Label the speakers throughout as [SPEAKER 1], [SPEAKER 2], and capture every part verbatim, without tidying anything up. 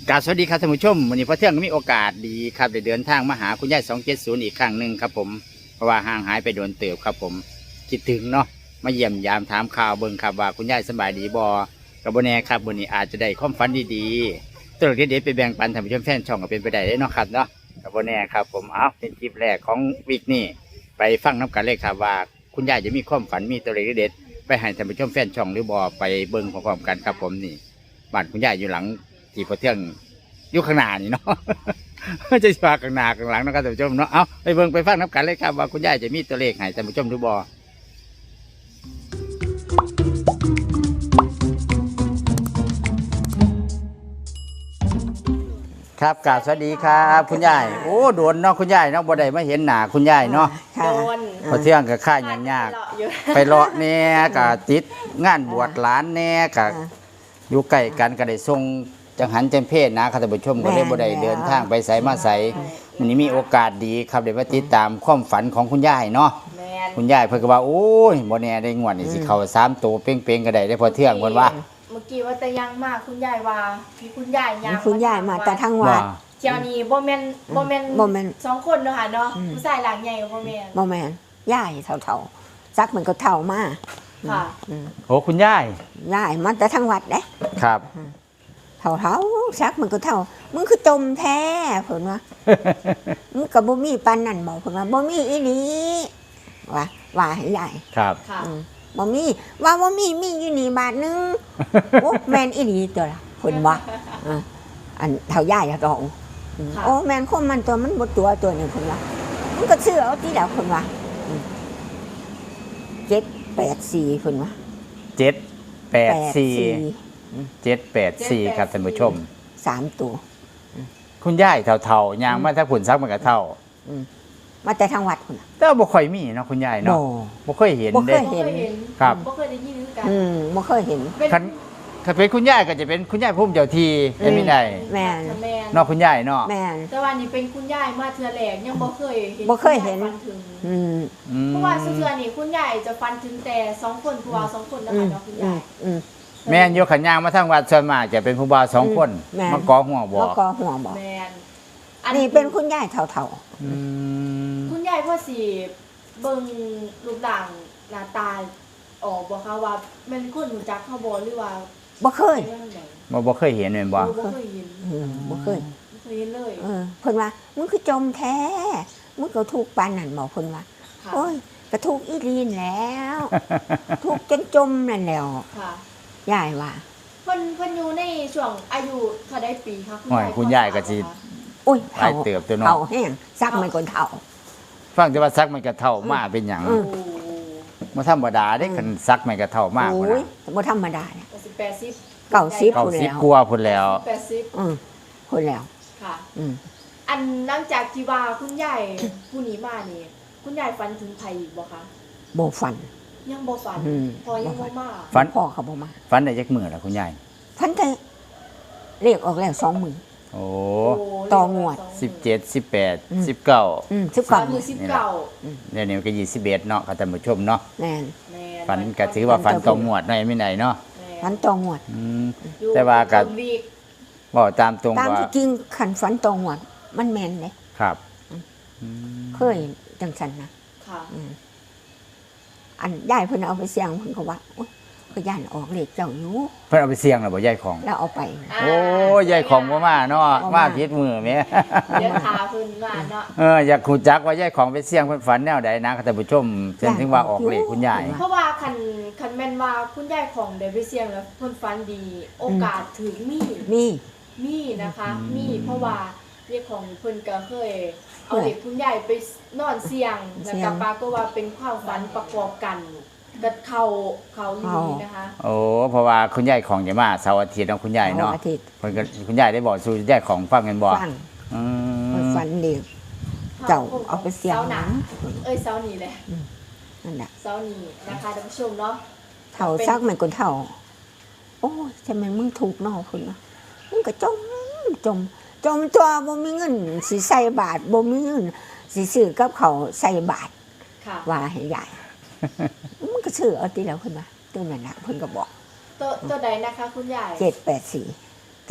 [SPEAKER 1] กราบสวัสดีครับท่านผู้ชมวันนี้พอเที่ยงก็มีโอกาสดีครับได้เดินทางมาหาคุณยายสองเจ็ดศูนย์อีกครั้งหนึ่งครับผมเพราะว่าห่างหายไปโดนเติบครับผมคิดถึงเนาะมาเยี่ยมยามถามข่าวเบิ่งครับว่าคุณยายสบายดีบ่กับโบแน่ครับวันนี้อาจจะได้ความฝันดีๆตัวเด็ดๆไปแบ่งปันท่านผู้ชมแฟนช่องก็เป็นไปได้เนาะครับเนาะกับโบแน่ครับผมเอาเป็นคลิปแรกของวีคนี้ไปฟังน้ำกันเลยครับว่าคุณยายจะมีความฝันมีตัวเด็ดๆไปให้ท่านผู้ชมแฟนช่องหรือบ่ไปเบิ่งพร้อมๆกันครับผมนี่บ้านคุณยายอยู่หลังที่พอเที่ยงอยู่ข้างหน้านี่เนาะ จะพาข้างหน้าข้างหลังนะครับท่านผู้ชมเนาะเอาไปเบิ่งไปฟังน้ำกันเลยครับว่าคุณยายจะมีตัวเลขให้ท่านผู้ชมดูบ่ครับกราบสวัสดีครับคุณยายโอ้โดนเนาะคุณยายเนาะบ่ได้มาเห็นหน้าคุณยายเนาะ
[SPEAKER 2] โดน
[SPEAKER 1] พอเที่ยงกับข้าอย่างยากไปเลาะแน่กับติดงานบวชหลานแน่กับอยู่ใกล้กันก็ได้ส่งจังหันจังเพศนะครับท่านผู้ชมก็เลยบ่ได้เดินทางไปไสมาไสวันนี้มีโอกาสดีครับได้มาติดตามความฝันของคุณยายเนาะคุณยายเพิ่นก็ว่าโอ้ยบ่แน่ได้งวดนี่สิเข้าสามตัวเป้งๆก็ได้ได้พอเที่ยงเพิ่นว่า
[SPEAKER 2] เมื่อกี้ว่าแต่ยังมากคุณยายว่าพี่คุณยายยัง
[SPEAKER 3] คุณยายมาแต่ทางวัด
[SPEAKER 2] เจ้านี่บ่แม่นบ่แม่น
[SPEAKER 3] บ่แม่น
[SPEAKER 2] สองคนเนาะค่ะเนาะผู้ชายหลังใหญ่บ่แม่น
[SPEAKER 3] บ่แม่นยายเท่าๆซักมันก็เท่ามา
[SPEAKER 2] ค่ะ
[SPEAKER 1] โอ้คุณยาย
[SPEAKER 3] ยายมาแต่ทางวัดเด้
[SPEAKER 1] ครับ
[SPEAKER 3] เท่าๆซักมันก็เท่ามึงคือจมแท้เพิ่นว่า มึงก็บ่มีปานนั้นบ่เพิ่นว่าบ่มีอีหลีว่าว่าให้ยาย
[SPEAKER 1] ครับ
[SPEAKER 2] ค่ะ
[SPEAKER 3] บ่มีว่าบ่มีมีอยู่นี่บาทนึง โอ้แม่นอีหลีตัวล่ะเพิ่นว่าอ่าอันเท่ายายอะดองโอ้แม่นคนมันตัวมันบ่ตัวตัวนึงเพิ่นว่ามันก็ซื้อเอาที่แล้วเพิ่นว่าเจ็ดแปดสี่เพิ่นว่า
[SPEAKER 1] เจ็ดแปดสี่เจ็ดแปดสี่ครับท่านผู้ชม
[SPEAKER 3] สามตัว
[SPEAKER 1] คุณยายเท่าๆยางมาถ้าผุนซักมันก็เท่า
[SPEAKER 3] มาแต่ทางวัดพุ่นน่ะ
[SPEAKER 1] แต่บ่ค่อยมีเนาะคุณยายเนาะบ่เคยเห็น
[SPEAKER 3] บ่เค
[SPEAKER 1] เด้
[SPEAKER 3] ย เห็น
[SPEAKER 1] ครับ
[SPEAKER 2] บ่เคยได้ยินคือกัน
[SPEAKER 3] อืมบ่เคยเห็น
[SPEAKER 1] คันถ้าเป็นคุณยายก็จะเป็นคุณยายพุ่มเจ้าทีได้ไม่ได้
[SPEAKER 3] แม่น
[SPEAKER 2] แม่น
[SPEAKER 1] เนาะคุณยายเนาะ
[SPEAKER 3] แม่น
[SPEAKER 2] แต่ว่านี่เป็นคุณยายมาเทื่อแรกยังบ่เคยเห็น
[SPEAKER 3] บ่เคยเห็น
[SPEAKER 2] ณาฝัถึง
[SPEAKER 3] อืม
[SPEAKER 1] อืม
[SPEAKER 2] เพราะว่าเทื่อนี่คุณยายจะฟันถึงแต่สองคนผู้ว่าสองคนนะ
[SPEAKER 3] อื
[SPEAKER 2] คะ
[SPEAKER 3] ม
[SPEAKER 2] เนาะคุณ
[SPEAKER 3] อื
[SPEAKER 2] ยาม ย
[SPEAKER 3] อืม
[SPEAKER 1] แม่นโยขันยางมาทางวัดส่วนมากจะเป็นผู้บ่าวสองคน
[SPEAKER 3] แม่น
[SPEAKER 1] มากอหัวบอ
[SPEAKER 3] แล้ว
[SPEAKER 1] ก
[SPEAKER 3] ก็หัวบอก
[SPEAKER 2] แม่น
[SPEAKER 3] อันนี้เป็นคุณยายเท่า
[SPEAKER 1] อืม
[SPEAKER 2] คุณยายพ่อสิเบิ่งรูปร่างหน้าตาออกบ่คะว่าแม่นคนรู้จักเขาบ่หรือว่า
[SPEAKER 3] ๆบ่เคย
[SPEAKER 2] เป็นจังได
[SPEAKER 1] บ่บ่เคยเห็นแม่นบ่
[SPEAKER 2] บ่เคยเห็น
[SPEAKER 3] อืมบ่เคย
[SPEAKER 2] บ่เคยเห็นเลย
[SPEAKER 3] เออเพิ่นว่ามึงคือจมแท้มึงก็ถูกปานนั่นบอกเพิ่นว่า
[SPEAKER 2] ค่ะ
[SPEAKER 3] โอ้ยก็ถูกอีลีนแล้ว ถูกจนจมนั่นแหล้ว
[SPEAKER 2] ค่ะ
[SPEAKER 3] ยายว่า
[SPEAKER 2] เพิ่นเพิ่นอยู่ในช่วงอายุเท่าใดปีคะ
[SPEAKER 1] โอ้ยคุณยายก็สิ
[SPEAKER 3] โอ้ย
[SPEAKER 1] หลายเติบตัวเนาะ
[SPEAKER 3] เท่าแห้งซักมันก็เท่า
[SPEAKER 1] ฟังแต่ว่าซักมันก็เท่ามาเป็นหยัง
[SPEAKER 3] อื
[SPEAKER 2] โอ้
[SPEAKER 3] ม
[SPEAKER 1] บ่ธรรมดาเด้คันซักมันก็เท่ามากพุ่น
[SPEAKER 3] โอ้ย
[SPEAKER 1] น่ะ
[SPEAKER 3] บ่ธรรมดาเนี่ย
[SPEAKER 2] สิบแปดสิบ
[SPEAKER 3] เก้าสิบ
[SPEAKER 1] เก้าสิบกว่าพุ่นแล้ว
[SPEAKER 2] แปดสิบ
[SPEAKER 3] อืมพุ่นแล้ว
[SPEAKER 2] ค่ะ
[SPEAKER 3] อืม
[SPEAKER 2] อันหลังจากที่ว่าคุณยายผู้นี้มานี่คุณยายฝันถึงไผอีกบ่คะ
[SPEAKER 3] บ่ฟัน
[SPEAKER 2] ยังบ่ฝัน
[SPEAKER 3] อืม
[SPEAKER 2] พอยังบ่มา
[SPEAKER 1] ฝัน
[SPEAKER 3] พ่อเขาบ่มา
[SPEAKER 1] ฝันได้จักมื้อล่ะคุณยาย
[SPEAKER 3] ฟันแต่เรียกออกแล้วสองมือ
[SPEAKER 1] โอ้
[SPEAKER 2] โอ้
[SPEAKER 3] ต่องวด
[SPEAKER 1] สิบเจ็ด สิบแปด
[SPEAKER 3] อืม
[SPEAKER 1] สิบเก้า
[SPEAKER 3] อืมสิบ
[SPEAKER 2] สา
[SPEAKER 3] เก้าม
[SPEAKER 2] มือสิบเก้า
[SPEAKER 1] เดี๋ยวนี้มันก็ยี่สิบเอ็ดเนาะครับท่านผู้ชมเนาะ
[SPEAKER 3] แม่น
[SPEAKER 2] แม่
[SPEAKER 1] ฝันก็ถือว่าฝันตรงงวดหน่อยไม่ไหนเนาะ
[SPEAKER 3] ฟันตองวด
[SPEAKER 1] อืม
[SPEAKER 2] อยู่
[SPEAKER 1] แต่ว่าก็
[SPEAKER 2] ตรงวีก
[SPEAKER 1] บอกตามตรง
[SPEAKER 3] ตาม
[SPEAKER 1] ว่า
[SPEAKER 3] ที่จริงขันฟันตองวด มันแม่นเลย
[SPEAKER 1] ครับ
[SPEAKER 3] เคยจังสันนะ
[SPEAKER 2] ค่ะ
[SPEAKER 3] อืมอันยายเพิ่นเอาไปเสี่ยงเพิ่นก็ว่าโอ๊ยก็ย่านออกเลขเจ้าอยู่
[SPEAKER 1] เพิ่นเอาไปเสี่ยงแล้วบ่ยายของ
[SPEAKER 3] แล้วเอาไป
[SPEAKER 1] โอ้ยยายของบ่มาเนาะ
[SPEAKER 3] บ่
[SPEAKER 1] มา
[SPEAKER 3] มา
[SPEAKER 1] ผิดมือแหม่
[SPEAKER 2] เดี๋ยวทาเพิ่นมาเนาะ
[SPEAKER 1] เอออยากฮู้จักว่ายายของไปเสี่ยงเพิ่นฝันแนวใดนะครับท่านผู้ชมเช่นถึงว่าออกเลขคุณยาย
[SPEAKER 2] เพราะว่าคันคันแม่นว่าคุณยายของได้ไปเสี่ยงแล้วเพิ่นฝันดี โอกาสถึงมี
[SPEAKER 3] มี
[SPEAKER 2] มีนะคะ
[SPEAKER 1] อืม
[SPEAKER 2] มีเพราะว่าเรียกของเพิ่นก็เคย เอาเด็กคุณยายไปนอนเสี่ยง แล้วก็ปรากฏว่าเป็นความฝันประกอบกันก็เข้าเข้าลีนะคะ
[SPEAKER 1] โอ้เพราะว่าคุณยายของจะมาเสาร์อาทิตย์เนาะคุณยายเนาะ
[SPEAKER 3] ออาทิตย์
[SPEAKER 1] เพิ่นก็คุณยายได้บอกสู่ยายของฟังกันบ่
[SPEAKER 3] ฟัง
[SPEAKER 1] อื
[SPEAKER 3] เพิ่น
[SPEAKER 1] ม
[SPEAKER 3] ฟันเดียวเจ้าเอาไปเสี่ยง
[SPEAKER 2] เสาหนังเอ้ยเสานี่แหละ
[SPEAKER 3] นั่นแหละ
[SPEAKER 2] เสานี่นะคะท่านผู้ชมเนาะ
[SPEAKER 3] เท่าซักมันก็เท่า โอ้ยทำไมมึงถูกเนอคุณนะมึงก็จมจม จมตัวบ่มีเงินสิใส่บาทบ่มีเงินสิซื้อกับเขาวใส่บาท
[SPEAKER 2] ค่ะ
[SPEAKER 3] ว่าให้ยาย มึงก็ซื้อเอาติแล้วขึ้นมาตัวนั้นน่ะเพิ่นก็บอก
[SPEAKER 2] ตัวตัวใดนะคะคุณยาย
[SPEAKER 3] เจ็ดแปดสี่
[SPEAKER 1] เ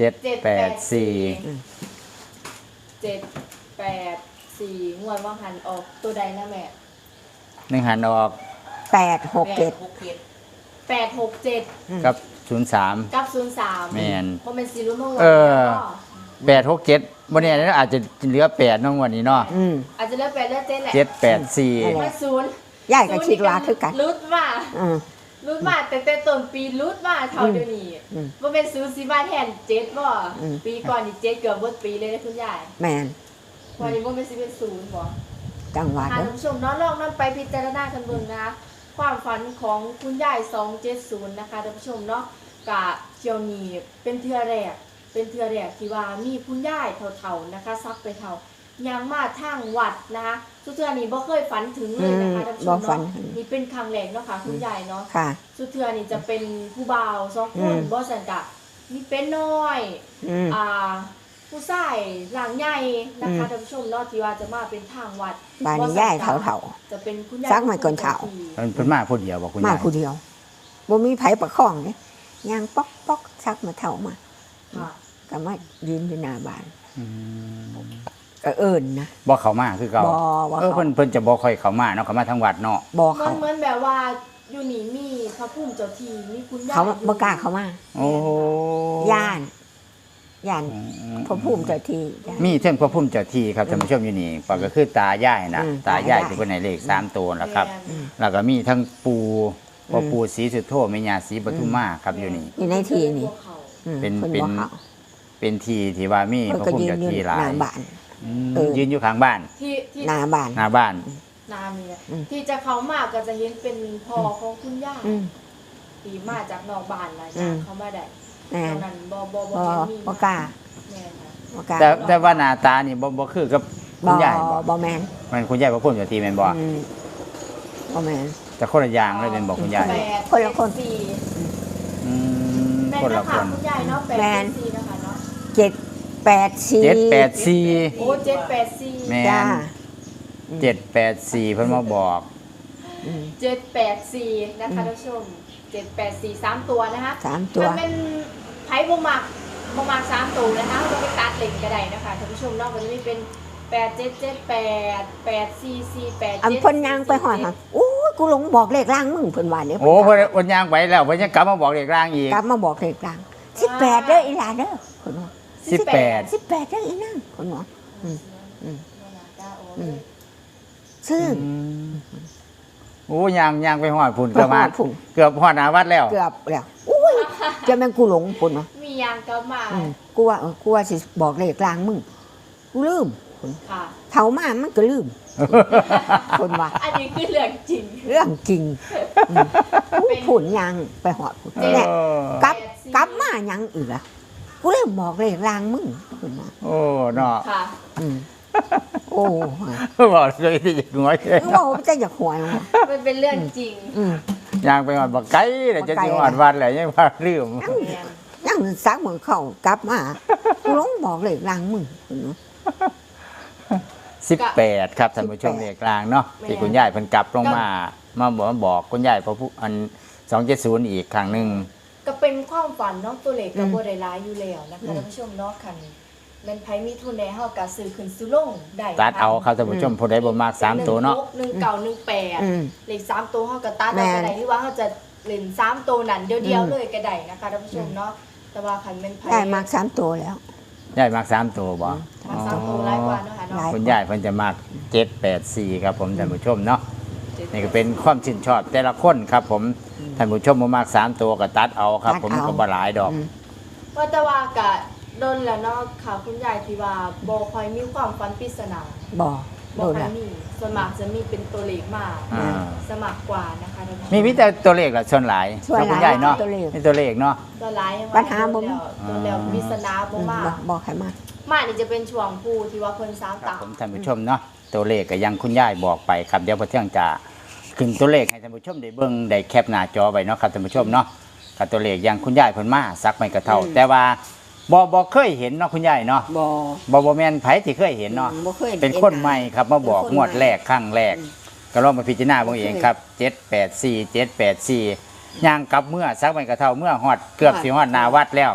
[SPEAKER 1] เจ็ดแปดสี่
[SPEAKER 2] เจ็ดแปดสี่งวดว่าหันออกตัวใดนะแม่
[SPEAKER 1] หนึ่งหันออก
[SPEAKER 3] แปดหกเจ็ด
[SPEAKER 2] แปดหกเจ็ด
[SPEAKER 1] กับศูนย์สาม
[SPEAKER 2] กับศูนย์สาม
[SPEAKER 1] แม่น
[SPEAKER 2] เพราะเป็นซีรุ่นเมื่อวาน
[SPEAKER 1] เออ
[SPEAKER 2] เนาะ
[SPEAKER 1] แปดหกเจ็ดวันนี้อาจจะเหลือแปดน้องวันนี้เนาะ
[SPEAKER 3] อืม
[SPEAKER 2] อาจจะเลือกแปดเลือกเจ็ดแหละ
[SPEAKER 1] เจ็ดแปดสี่
[SPEAKER 3] นั่นแหละ
[SPEAKER 2] มาศูนย์
[SPEAKER 3] ยายก็คิดว่าคือกัน
[SPEAKER 2] รุดมา
[SPEAKER 3] อืม
[SPEAKER 2] รุดมาแต่แต่ต้นปีรุดมาเท่าเดี๋ยวนี้
[SPEAKER 3] อืม
[SPEAKER 2] ว่าเป็นศูนย์สีมาแทนเจ็ดบ่
[SPEAKER 3] อืม
[SPEAKER 2] ปีก่อนนี่เจ็ดเกือบหมดปีเลยนะคุณยาย
[SPEAKER 3] แม่น
[SPEAKER 2] วันนี้ว่าเป็นสิเป็นศูนย์บ่
[SPEAKER 3] จังหวัด
[SPEAKER 2] ค่ะ
[SPEAKER 3] เด้อ
[SPEAKER 2] ท่านผู้ชมเน้องลองนำไปพิจารณากันเบิ่งนะคะความฝันของคุณยายสองเจ็ดศูนย์นะคะท่านผู้ชมเนาะกะเที่ยวนี้เป็นเทือแรกเป็นเทือแรกที่ว่ามีคุณยายเฒ่าๆนะคะซักไปเฒ่ายังมาทางวัดนะคะสุดเทือนี้บ่เคยฝันถึงเลยนะคะท่านผู้ช
[SPEAKER 3] บ่
[SPEAKER 2] ม
[SPEAKER 3] ฝัน
[SPEAKER 2] เนาะนี่เป็นครั้งแรกเนาะค่ะคุณยายเนาะ
[SPEAKER 3] ค่ะ
[SPEAKER 2] สุดเทือนี่จะเป็นผู้บ่าวสองค
[SPEAKER 3] อื
[SPEAKER 2] น
[SPEAKER 3] ม
[SPEAKER 2] บ่สันกะมีเป็นน้อย
[SPEAKER 3] อืม
[SPEAKER 2] อ่าผู้ชายหลังใหญ่นะคะ
[SPEAKER 3] อืม
[SPEAKER 2] ท่านผู้ชมเนาะที่ว่าจะมาเป็นทางวัด
[SPEAKER 3] บ้านนี้ยายเฒ่า
[SPEAKER 2] จะเป็นคุณยาย
[SPEAKER 3] ซักไม่ก่อนเฒ่า
[SPEAKER 1] มันเพิ่นมาผู้เดียวบอกคุณ
[SPEAKER 3] ๆมาย
[SPEAKER 1] าย
[SPEAKER 3] ผู้เดียวบ่มีไผประคองเด้ย่างป๊อกป๊อกซักมาเฒ่ามา
[SPEAKER 2] ค่ะ
[SPEAKER 3] ก็มายืนอยู่หน้าบ้าน
[SPEAKER 1] อืม
[SPEAKER 3] ก็เอิ้นนะ
[SPEAKER 1] บ่เข้ามาคือเก่า
[SPEAKER 3] บ่บ่
[SPEAKER 1] เออ
[SPEAKER 3] เขา
[SPEAKER 1] เพิ่นเพิ่นจะบ่ค่อยเข้ามาเนาะเข้ามาทางวัดเนาะ
[SPEAKER 3] บ่
[SPEAKER 2] เหมือ
[SPEAKER 3] เขา
[SPEAKER 2] นเหมือนแบบว่าอยู่นี่มีพระพุ่มเจ้าที่มีคุณยาย
[SPEAKER 3] เขาบ่กล้าเข้ามา
[SPEAKER 1] โอ้
[SPEAKER 3] ย่านย่าน
[SPEAKER 1] อืม
[SPEAKER 3] พระภูมิเจ้าที่ย่าน
[SPEAKER 1] มีเท่งพระพุ่มเจ้าที่ครับท่านผู้ชมอยู่นี่ปก็คือตายายนะ
[SPEAKER 3] อืม
[SPEAKER 1] ตายาย
[SPEAKER 3] ตายาย
[SPEAKER 1] ที่เพิ่นให้เลขสามตัวแล้วครับ
[SPEAKER 2] แม่น
[SPEAKER 3] อืม
[SPEAKER 1] แล้วก็มีทั้งปูพ่อ
[SPEAKER 3] อืม
[SPEAKER 1] ปูศรีสุโธแม่ย่าศรีปทุมมาครับอยู่นี่
[SPEAKER 3] อยู่ในที่นี่
[SPEAKER 2] พวกเขา
[SPEAKER 3] อืม
[SPEAKER 1] เป็น
[SPEAKER 3] พิ่
[SPEAKER 1] เป็น
[SPEAKER 3] บ่เข้า
[SPEAKER 1] เป็นที่ที่ว่ามี
[SPEAKER 3] เพิ่น
[SPEAKER 1] พระ
[SPEAKER 3] ก็
[SPEAKER 1] พุ่ม
[SPEAKER 3] ยืน
[SPEAKER 1] เจ้า
[SPEAKER 3] อยู่
[SPEAKER 1] ที่ห
[SPEAKER 3] ห
[SPEAKER 1] ลา
[SPEAKER 3] น้าย บ้าน
[SPEAKER 1] อืม
[SPEAKER 3] เออ
[SPEAKER 1] ยืนอยู่ข้างบ้าน
[SPEAKER 2] ที่ที่
[SPEAKER 3] หน้าบ้าน
[SPEAKER 1] หน้าบ้าน
[SPEAKER 2] นานี่แหละ
[SPEAKER 3] อืม
[SPEAKER 2] ที่จะเขามาก็จะเห็นเป็นพ่อของคุณย่า
[SPEAKER 3] อืม
[SPEAKER 2] ที่มาจากนอกบ้านนะ
[SPEAKER 3] อืม
[SPEAKER 2] เขามาได้
[SPEAKER 3] แม่
[SPEAKER 2] ต
[SPEAKER 3] น
[SPEAKER 2] อนนั้นบ่บ่บ่
[SPEAKER 3] บ่
[SPEAKER 2] เห็นมี
[SPEAKER 3] บ่กล้า
[SPEAKER 2] แม่นค่ะ
[SPEAKER 3] บ่กล้า
[SPEAKER 1] แต่แต่ว่าหน้าตานี่บ่บ่คือกับคุ
[SPEAKER 3] บ่
[SPEAKER 1] ณยายบ่
[SPEAKER 3] บ่แม่น
[SPEAKER 1] มันคุณยายพระพุ่มเจ้าที่แม่นบ่
[SPEAKER 3] อืมบ่แม่น
[SPEAKER 1] แต่คนละอย่างเลยแม่นบ่คุณยาย
[SPEAKER 2] แปด
[SPEAKER 3] คนละคน
[SPEAKER 2] เจ็ดสี่
[SPEAKER 1] อืม
[SPEAKER 2] แม่น
[SPEAKER 1] คน
[SPEAKER 2] นะ
[SPEAKER 1] ละค
[SPEAKER 2] คะ
[SPEAKER 1] น
[SPEAKER 2] คุณยายเนาะแปด
[SPEAKER 3] แม่น
[SPEAKER 2] เจ็ดสี่นะคะเนาะ
[SPEAKER 3] เจ็ดแปดสี่
[SPEAKER 1] เจ็ดแปดสี่
[SPEAKER 2] โอ้เจ็ดแปดสี่
[SPEAKER 1] แม่
[SPEAKER 3] จ้า
[SPEAKER 1] เจ็ดแปดสี่เพิ่นมาบอก
[SPEAKER 3] อืม
[SPEAKER 2] เจ็ดแปดสี่นะคะท่านผู้ชมเจ็ดแปดสี่สามตัวนะคะ
[SPEAKER 3] สามตัว
[SPEAKER 2] มันเป็นไพ่บมักบมักสามตัวนะคะเราไปตัดเหล็กกระไดนะคะท่านผู้ชมเนอกมันจะมีเป็นแปดเจ็ดเจ็ดแปดแปดสี่สี่แปด
[SPEAKER 3] อัน
[SPEAKER 2] เจ็ด
[SPEAKER 3] เพิ่นย่างไปหอดค่ะโอ้ยกูหลงบอกเลขล่างมึงเพิ่นว่าเนี่ย
[SPEAKER 1] โอ้เพิ่นเพิ่นย่างไปแล้วเพิ่นยังกลับมาบอกเลขร่างอีก
[SPEAKER 3] กลับมาบอกเลขล่างสิบแปดเด้ออีหลาเด้อเพิ่นว่า
[SPEAKER 1] สิบแปด
[SPEAKER 3] สิบแปดเด้ออีนั่งเพิ่นว่า อืมอืม อืม ซึ่ง
[SPEAKER 1] อืมโอ้ย่างย่างไปฮอดพุ่นเกือบมา
[SPEAKER 3] ไปฮอดพุ่น
[SPEAKER 1] เกือบฮอดหน้าวัดแล้ว
[SPEAKER 3] เกือบแล้วอุ้ยจะแม่งกูหลงเพิ่นว่า
[SPEAKER 2] มียางกลับมา
[SPEAKER 3] อืมกูว่าเออกูว่าสิบอกเลขล่างมึงกูลืมเพิ่น
[SPEAKER 2] ค่ะ
[SPEAKER 3] เฒ่ามามันก็ลืมเพิ่นว่า
[SPEAKER 2] อันนี้คือเรื่องจริง
[SPEAKER 3] เรื่องจริงอืมกูผุนยังไปหอดพุ่น
[SPEAKER 1] เออ
[SPEAKER 3] แหละกลับกลับมายังอีกอะกูเลยบอกเลยลางมึงเพิ่นว่า
[SPEAKER 1] โอ้เนาะ
[SPEAKER 2] ค่ะ
[SPEAKER 3] อืมโอ้
[SPEAKER 1] บอกเลยที่จะหัวเฉย
[SPEAKER 3] มึงบอกว่าจะอยากหวยว่ะ
[SPEAKER 2] มันเป็นเรื่องจริง
[SPEAKER 3] อืม
[SPEAKER 1] ย่างไปฮอดบักไก่แล้วจะ
[SPEAKER 3] บักไก่
[SPEAKER 1] สิฮอดวัดแล้วยังว่าลืม
[SPEAKER 2] แม่น
[SPEAKER 3] ยังซักเหมือนเข้ากลับมากูลงบอกเลยลางมึงเพิ่นว่า
[SPEAKER 1] สิบแปดครับท่านผู้ชมเลขกลางเนาะที่คุณยายเพิ่นกลับลงมามาบอกมาบอกคุณยายพระผู้อันสองเจ็ดศูนย์อีกครั้งหนึง
[SPEAKER 2] ก็เป็นความฝันเนาะตัวเล็กกับโบได้ร้ายอยู่แล้วนะคะท่านผู้ชมเนาะคันแมันไผมีทุนแน่เฮาก็ซื้อขึ้นซื้อลงได้
[SPEAKER 1] ตัดเอาครับท่านผู้ชมผู้ใดบ่มากสามตัวเนาะ
[SPEAKER 2] หนึ่งเก่าหนึ่งแปด
[SPEAKER 3] อืม
[SPEAKER 2] เลขสามตัวเฮาก็ตัด
[SPEAKER 3] แม่
[SPEAKER 2] เอา
[SPEAKER 3] น
[SPEAKER 2] ก็ได้หรือว่าเฮาจะเล่นสามตัวนั้นเดียว
[SPEAKER 3] อื
[SPEAKER 2] เดียว
[SPEAKER 3] ม
[SPEAKER 2] เลยก็ได้นะคะท่านผู้ชมเนาะแต่ว่าคันเป็นไผ
[SPEAKER 3] ได้มากสามตัวแล้ว
[SPEAKER 1] ยายมากสามตัวบ่
[SPEAKER 2] มาสามตัวหลายกว่าเนาะค่ะ
[SPEAKER 3] หลาย
[SPEAKER 2] เนาะ
[SPEAKER 1] คุณยายเพิ่นจะมากเจ็ดแปดสี่ครับผมท่านผู้ชมเนาะนี่ก็เป็นความชื่นชอบแต่ละคนครับผมท่านผู้ชมบ่มากสามตัวก็ตัดเอาครับ ผมก็บ่หลายดอก
[SPEAKER 3] อืม
[SPEAKER 2] ว่าแต่ว่าก็โดนแล้วเนาะค่ะคุณยายที่ว่าบ่ค่อยมีความฝันปริศนา
[SPEAKER 3] บอก
[SPEAKER 2] บ่
[SPEAKER 3] ดู
[SPEAKER 2] ค่อ
[SPEAKER 3] ละ
[SPEAKER 2] ยมีส่วนมากจะมีเป็นตัวเลขมา
[SPEAKER 1] อ่า
[SPEAKER 2] สมัครกว่านะคะท่านผู้ช
[SPEAKER 1] มีมีแต่ตัวเลขละส่วนหลาย
[SPEAKER 3] ส่วนหลาย
[SPEAKER 1] คุณยายเนาะ
[SPEAKER 3] ตัวเลข
[SPEAKER 1] มีตัวเลขเนาะ
[SPEAKER 2] ตัวร้ายยังว่
[SPEAKER 3] ปัญหาบ่
[SPEAKER 2] โดนแล้วโดนแล้วปริศนาบ่มา
[SPEAKER 3] บอกบอกให้มา
[SPEAKER 2] มานี่จะเป็นช่วงผู้ที่ว่าเพิ่นสาม
[SPEAKER 1] ครับ
[SPEAKER 2] ตา
[SPEAKER 1] ผมท่านผู้ชมเนาะตัวเลขก็ยังคุณยายบอกไปครับเดี๋ยวพอเที่ยงจะขึ้นตัวเลขให้ท่านผู้ชมได้เบิ่งได้แคปหน้าจอไว้เนาะครับท่านผู้ชมเนาะกับตัวเลขยังคุณยายเพิ่นมาสักไม่กระเท่า
[SPEAKER 3] อืม
[SPEAKER 1] แต่ว่าบ่บ่เคยเห็นเนาะคุณยายเนาะ
[SPEAKER 3] บอก
[SPEAKER 1] บ่บ่แม่นไผที่เคยเห็นเนาะ
[SPEAKER 3] บ่เคย
[SPEAKER 1] เป็นคนใหม่ครับมาบอก
[SPEAKER 3] เป็นคน
[SPEAKER 1] งวด
[SPEAKER 3] ใหม่
[SPEAKER 1] แรกครั้งแรก
[SPEAKER 3] อืม
[SPEAKER 1] ก็ลองมาพิจารณาเบิ่งเองครับเจ็ดแปดสี่ เจ็ดแปดสี่ย่างกลับเมื่อสักไม่กระเท่าเมื่อฮอดเกือบสิฮอดหน้าวัดแล้ว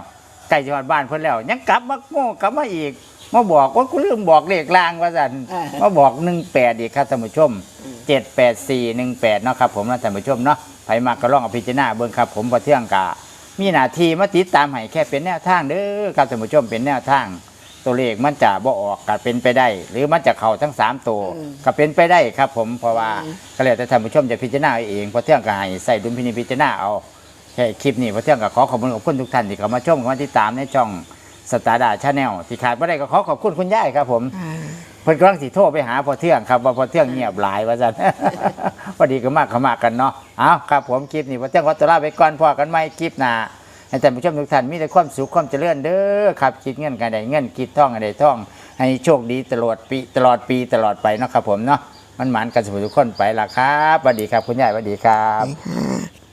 [SPEAKER 1] ใกล้จังหวัดบ้านเพิ่นแล้วยังกลับมาโง่กลับมาอีกมาบอกว่ากูลืมบอกเลขลางว่าซั่นมาบอกหนึ่งแปดอีกครับท่านผู้ชมเจ็ดแปดสี่หนึ่งแปดเนาะครับผมนะท่านผู้ชมเนาะไผมากก็ลองเอาพิจารณาเบิ่งครับผมพอเที่ยงกะมีหน้าที่มาติดตามให้แค่เป็นแนวทางเด้อครับท่านผู้ชมเป็นแนวทางตัวเลขมันจะบ่ออกก็เป็นไปได้ หรือมันจะเข้าทั้งสามตัวก็เป็นไปได้ครับผมเพราะว่าก็แล้วแต่ท่านผู้ชมจะพิจารณาเอาเองพอเที่ยงก็ให้ใส่ดุลพินิจพิจารณาเอาแค่คลิปนี้พอเที่ยงก็ขอขอบคุณขอบคุณทุกท่านที่เข้ามาชมเข้ามาติดตามในช่องสตาร์ดาชาแนลที่ขาดไม่ได้ก็ขอขอบคุณคุณย่ายครับผมเพิ่นกำลังสิโทรไปหาพอเที่ยงครับว่าพอเที่ยงเงียบหลายว่าซั่น พอดีก็มากเขามากกันเนาะเอาครับผมคลิปนี้พอเที่ยงขอตัวลาไปก่อนพอกันใหม่คลิปหน้าให้ท่านผู้ชมทุกท่านมีแต่ความสุขความเจริญเด้อครับคิดเงินกันได้เงินคิดท่องกันได้ท่อง ให้โชคดีตลอดปีตลอดปีตลอดไปเนาะครับผมเนาะมันหมานกันสมุทุกคนไปละครับสวัสดีครับคุณยายสวัสดีครับ